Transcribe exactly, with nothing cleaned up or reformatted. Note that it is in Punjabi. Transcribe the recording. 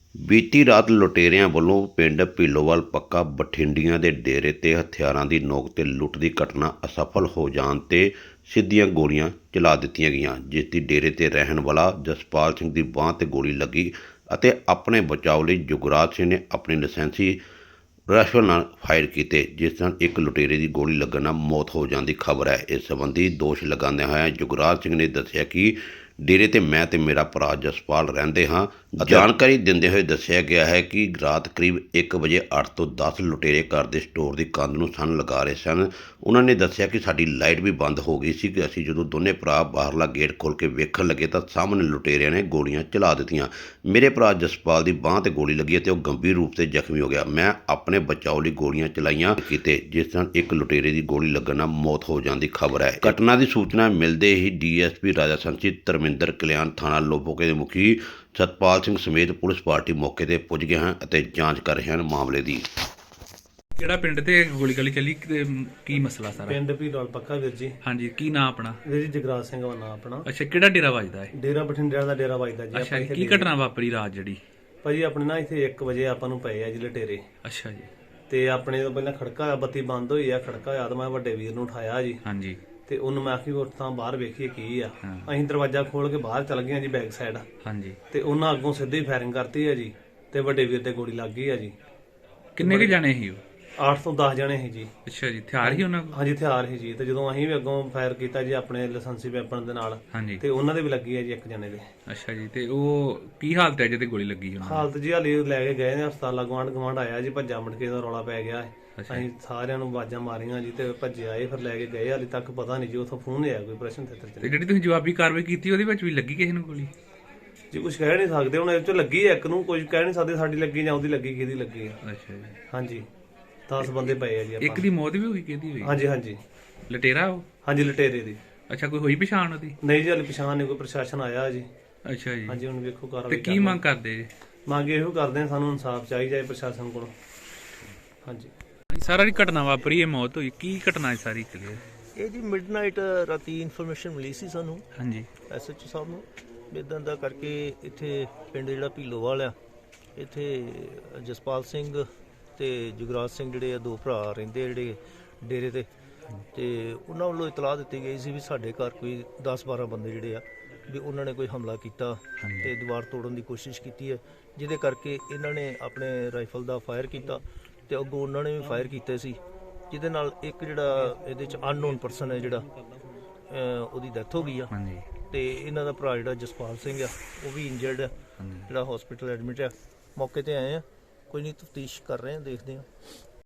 ਬੀਤੀ ਰਾਤ ਲੁਟੇਰਿਆਂ ਵੱਲੋਂ ਪਿੰਡ ਭੀਲੋਵਾਲ ਪੱਕਾ ਬਠਿੰਡੀਆਂ ਦੇ ਡੇਰੇ 'ਤੇ ਹਥਿਆਰਾਂ ਦੀ ਨੋਕ 'ਤੇ ਲੁੱਟ ਦੀ ਘਟਨਾ ਅਸਫਲ ਹੋ ਜਾਣ 'ਤੇ ਸਿੱਧੀਆਂ ਗੋਲੀਆਂ ਚਲਾ ਦਿੱਤੀਆਂ ਗਈਆਂ, ਜਿਸ ਦੀ ਡੇਰੇ 'ਤੇ ਰਹਿਣ ਵਾਲਾ ਜਸਪਾਲ ਸਿੰਘ ਦੀ ਬਾਂਹ 'ਤੇ ਗੋਲੀ ਲੱਗੀ ਅਤੇ ਆਪਣੇ ਬਚਾਅ ਲਈ ਜੁਗਰਾਜ ਸਿੰਘ ਨੇ ਆਪਣੀ ਲਾਇਸੈਂਸੀ ਰਾਈਫਲ ਨਾਲ ਫਾਇਰ ਕੀਤੇ, ਜਿਸ ਨਾਲ ਇੱਕ ਲੁਟੇਰੇ ਦੀ ਗੋਲੀ ਲੱਗਣ ਨਾਲ ਮੌਤ ਹੋ ਜਾਣ ਦੀ ਖਬਰ ਹੈ। ਇਸ ਸੰਬੰਧੀ ਦੋਸ਼ ਲਗਾਉਂਦਿਆਂ ਹੋਇਆਂ ਜੁਗਰਾਜ ਸਿੰਘ ਨੇ ਦੱਸਿਆ ਕਿ ਡੇਰੇ 'ਤੇ ਮੈਂ ਤੇ ਮੇਰਾ ਭਰਾ ਜਸਪਾਲ ਰਹਿੰਦੇ ਹਾਂ। ਜਾਣਕਾਰੀ ਦਿੰਦੇ ਹੋਏ ਦੱਸਿਆ ਗਿਆ ਹੈ ਕਿ ਰਾਤ ਕਰੀਬ ਇੱਕ ਵਜੇ ਅੱਠ ਤੋਂ ਦਸ ਲੁਟੇਰੇ ਘਰ ਦੇ ਸਟੋਰ ਦੀ ਕੰਧ ਨੂੰ ਸੰਨ ਲਗਾ ਰਹੇ ਸਨ। ਉਹਨਾਂ ਨੇ ਦੱਸਿਆ ਕਿ ਸਾਡੀ ਲਾਈਟ ਵੀ ਬੰਦ ਹੋ ਗਈ ਸੀ ਕਿ ਅਸੀਂ ਜਦੋਂ ਦੋਨੇ ਭਰਾ ਬਾਹਰਲਾ ਗੇਟ ਖੋਲ੍ਹ ਕੇ ਵੇਖਣ ਲੱਗੇ ਤਾਂ ਸਾਹਮਣੇ ਲੁਟੇਰਿਆਂ ਨੇ ਗੋਲੀਆਂ ਚਲਾ ਦਿੱਤੀਆਂ। ਮੇਰੇ ਭਰਾ ਜਸਪਾਲ ਦੀ ਬਾਂਹ 'ਤੇ ਗੋਲੀ ਲੱਗੀ ਅਤੇ ਉਹ ਗੰਭੀਰ ਰੂਪ 'ਤੇ ਜ਼ਖਮੀ ਹੋ ਗਿਆ। ਮੈਂ ਆਪਣੇ ਬਚਾਅ ਲਈ ਗੋਲੀਆਂ ਚਲਾਈਆਂ ਕੀਤੇ, ਜਿਸ ਨਾਲ ਇੱਕ ਲੁਟੇਰੇ ਦੀ ਗੋਲੀ ਲੱਗਣ ਨਾਲ ਮੌਤ ਹੋ ਜਾਣ ਦੀ ਖਬਰ ਹੈ। ਘਟਨਾ ਦੀ ਸੂਚਨਾ ਮਿਲਦੇ ਹੀ ਡੀ ਐਸ ਪੀ ਰਾਜਾ ਸੰਸੀ ਧਰਮਿੰਦਰ ਕਲਿਆਣ ਥਾਣਾ ਲੋਬੋਕੇ ਦੇ ਮੁਖੀ ਸਤਪਾਲ ਸਿੰਘ ਸਮੇਤ ਪੁਲਿਸ ਪਾਰਟੀ ਮੌਕੇ 'ਤੇ ਪੁੱਜ ਗਏ ਹਨ ਅਤੇ ਜਾਂਚ ਕਰ ਰਹੇ ਹਨ ਮਾਮਲੇ ਦੀ। ਕਿਹੜਾ ਪਿੰਡ ਤੇ ਗੋਲੀ ਗਲੀ ਚੱਲੀ ਤੇ ਕੀ ਮਸਲਾ ਸਾਰਾ? ਪਿੰਡ ਭੀਲੋਵਾਲ ਪੱਕਾ ਵੀਰ ਜੀ। ਹਾਂਜੀ, ਕੀ ਨਾਂ ਆਪਣਾ? ਵੀਰ ਜੀ ਜਗਰਾਜ ਸਿੰਘ ਦਾ ਨਾਂ ਆਪਣਾ। ਅੱਛਾ, ਕਿਹੜਾ ਡੇਰਾ ਵੱਜਦਾ ਹੈ? ਡੇਰਾ ਬਠਿੰਡਿਆਂ ਦਾ ਡੇਰਾ ਵੱਜਦਾ ਜੀ। ਅੱਛਾ, ਕੀ ਘਟਨਾ ਵਾਪਰੀ ਰਾਤ ਜਿਹੜੀ? ਭਾਜੀ ਆਪਣੇ ਨਾ ਇੱਥੇ ਇੱਕ ਵਜੇ ਆਪਾਂ ਨੂੰ ਪਏ ਆ ਜੀ ਲਟੇਰੇ। ਅੱਛਾ ਜੀ। ਤੇ ਆਪਣੇ ਤੋਂ ਪਹਿਲਾਂ ਖੜਕਾ ਹੋਇਆ, ਬੱਤੀ ਬੰਦ ਹੋਈ ਆ, ਖੜਕਾ ਹੋਇਆ ਤਾਂ ਮੈਂ ਵੱਡੇ ਵੀਰ ਨੂੰ ਉਠਾਇਆ ਜੀ। ਹਾਂਜੀ। ਤੇ ਉਹਨੂੰ ਮੈਂ ਆਖੀ ਉੱਠ ਤਾਂ ਬਾਹਰ ਵੇਖੀਏ ਕੀ ਆ। ਅਸੀਂ ਦਰਵਾਜ਼ਾ ਖੋਲ ਕੇ ਬਾਹਰ ਚੱਲ ਗਏ ਜੀ ਬੈਕ ਸਾਈਡ। ਹਾਂਜੀ। ਤੇ ਉਹਨਾਂ ਅੱਗੋਂ ਸਿੱਧੀ ਫਾਇਰਿੰਗ ਕਰਤੀ ਆ ਜੀ ਤੇ ਵੱਡੇ ਵੀਰ ਤੇ ਗੋਲੀ ਲੱਗ ਗਈ ਆ ਜੀ। ਕਿੰਨੇ ਕੁ ਜਾਣੇ ਸੀ ਉਹ? ਅੱਠ ਤੋਂ ਦਸ ਜਣੇ ਸੀ ਜੀ। ਅੱਛਾ ਜੀ, ਹਥਿਆਰ ਹੀ ਉਹਨਾਂ ਕੋਲ? ਹਾਂਜੀ, ਹਥਿਆਰ ਸੀ ਜੀ। ਤੇ ਜਦੋਂ ਅਸੀਂ ਵੀ ਅੱਗੋਂ ਫਾਇਰ ਕੀਤਾ ਜੀ ਆਪਣੇ ਲਾਇਸੈਂਸੀ ਵੈਪਨ ਦੇ ਨਾਲ, ਹਾਂਜੀ, ਤੇ ਉਹਨਾਂ ਦੇ ਵੀ ਲੱਗੀ ਆ ਜੀ ਇੱਕ ਜਣੇ ਦੇ। ਅੱਛਾ ਜੀ, ਤੇ ਉਹ ਕੀ ਹਾਲਤ ਹੈ ਜਿਹਦੇ ਗੋਲੀ ਲੱਗੀ ਉਹਨਾਂ ਦੀ? ਹਾਲਤ ਜੀ ਹਾਲੇ ਲੈ ਕੇ ਗਏ ਨੇ ਹਸਪਤਾਲ। ਗਵਾਂਢ ਗਵਾਂਢ ਆਇਆ ਜੀ, ਭੱਜਾ ਮੁੜ ਕੇ ਦਾ ਰੌਲਾ ਪੈ ਗਿਆ। ਅਸੀਂ ਸਾਰਿਆਂ ਨੂੰ ਆਵਾਜ਼ਾਂ ਮਾਰੀਆਂ ਜੀ ਤੇ ਭੱਜੇ ਆਏ, ਫਿਰ ਲੈ ਕੇ ਗਏ। ਹਾਲੇ ਤੱਕ ਪਤਾ ਨਹੀਂ ਜੀ ਉੱਥੋਂ ਫੋਨ ਆਇਆ ਕੋਈ ਪ੍ਰਸ਼ਨ ਥੇਤਰ ਚ। ਤੇ ਜਿਹੜੀ ਤੁਸੀਂ ਜਵਾਬੀ ਕਾਰਵਾਈ ਕੀਤੀ ਉਹਦੇ ਵਿੱਚ ਵੀ ਲੱਗੀ ਕਿਸੇ ਨੂੰ ਗੋਲੀ? ਜੀ ਕੁਝ ਕਹਿ ਨਹੀਂ ਸਕਦੇ ਹੁਣ, ਇਹ ਚ ਲੱਗੀ ਹੈ ਇੱਕ ਨੂੰ, ਕੁਝ ਕਹਿ ਨਹੀਂ ਸਕਦੇ ਸਾਡੀ ਲੱਗੀ ਜਾਂ ਉਹਦੀ ਲੱਗੀ, ਕਿਹਦੀ ਲੱਗੀ ਹੈ। ਅੱਛਾ ਜੀ। ਹਾਂਜੀ, ਦਸ ਬੰਦੇ ਪਏ ਆ ਜੀ ਆਪਾਂ। ਇੱਕ ਦੀ ਮੌਤ ਵੀ ਹੋਈ, ਕਿਹਦੀ ਹੋਈ? ਹਾਂਜੀ ਹਾਂਜੀ ਲਟੇਰਾ ਉਹ? ਹਾਂਜੀ, ਲਟੇਰੇ ਦੀ। ਅੱਛਾ, ਕੋਈ ਹੋਈ ਪਛਾਣ ਉਹਦੀ? ਨਹੀਂ ਜੀ, ਹਾਲੇ ਪਛਾਣ ਨਹੀਂ, ਕੋਈ ਪ੍ਰਸ਼ਾਸਨ ਆਇਆ ਜੀ। ਅੱਛਾ ਜੀ। ਹਾਂਜੀ, ਹੁਣ ਵੇਖੋ ਤੇ ਕਾਰਵਾਈ ਕੀ ਮੰਗ ਕਰਦੇ ਜੀ? ਮੰਗ ਇਹੋ ਕਰਦੇ ਆ, ਸਾਨੂੰ ਇਨਸਾਫ ਚਾਹੀਦਾ ਹੈ ਪ੍ਰਸ਼ਾਸਨ ਕੋਲੋਂ। ਹਾਂਜੀ। ਸਾਰਾ ਦੀ ਘਟਨਾ ਵਾਪਰੀ, ਇਹ ਮੌਤ ਹੋਈ, ਕੀ ਘਟਨਾ ਹੈ ਸਾਰੀ ਕਲੀਅਰ? ਇਹ ਜੀ ਮਿਡਨਾਈਟ ਰਾਤੀ ਇਨਫੋਰਮੇਸ਼ਨ ਮਿਲੀ ਸੀ ਸਾਨੂੰ ਹਾਂਜੀ ਐਸ ਐਚ ਓ ਸਾਹਿਬ ਨੂੰ, ਇਦਾਂ ਦਾ ਕਰਕੇ ਇੱਥੇ ਪਿੰਡ ਜਿਹੜਾ ਭੀਲੋਵਾਲ ਆ, ਇੱਥੇ ਜਸਪਾਲ ਸਿੰਘ ਤੇ ਜੁਗਰਾਜ ਸਿੰਘ ਜਿਹੜੇ ਆ ਦੋ ਭਰਾ ਰਹਿੰਦੇ ਜਿਹੜੇ ਡੇਰੇ ਤੇ, ਤੇ ਉਹਨਾਂ ਵੱਲੋਂ ਇਤਲਾਹ ਦਿੱਤੀ ਗਈ ਸੀ ਵੀ ਸਾਡੇ ਘਰ ਕੋਈ ਦਸ ਬਾਰਾਂ ਬੰਦੇ ਜਿਹੜੇ ਆ ਵੀ ਉਹਨਾਂ ਨੇ ਕੋਈ ਹਮਲਾ ਕੀਤਾ ਤੇ ਦੀਵਾਰ ਤੋੜਨ ਦੀ ਕੋਸ਼ਿਸ਼ ਕੀਤੀ ਹੈ, ਜਿਹਦੇ ਕਰਕੇ ਇਹਨਾਂ ਨੇ ਆਪਣੇ ਰਾਈਫਲ ਦਾ ਫਾਇਰ ਕੀਤਾ ਤੇ ਅੱਗੋਂ ਉਹਨਾਂ ਨੇ ਵੀ ਫਾਇਰ ਕੀਤੇ ਸੀ, ਜਿਹਦੇ ਨਾਲ ਇੱਕ ਜਿਹੜਾ ਇਹਦੇ ਚ ਅਨਨੋਨ ਪਰਸਨ ਹੈ ਜਿਹੜਾ ਉਹਦੀ ਡੈਥ ਹੋ ਗਈ ਆ। ਹਾਂਜੀ। ਤੇ ਇਹਨਾਂ ਦਾ ਭਰਾ ਜਿਹੜਾ ਜਸਪਾਲ ਸਿੰਘ ਆ ਉਹ ਵੀ ਇੰਜਰਡ ਆ, ਜਿਹੜਾ ਹਸਪੀਟਲ ਐਡਮਿਟ ਆ। ਮੌਕੇ ਤੇ ਆਏ ਆ, ਕੋਈ ਨਹੀਂ ਤਫਤੀਸ਼ ਕਰ ਰਹੇ ਆ, ਦੇਖਦੇ ਆ।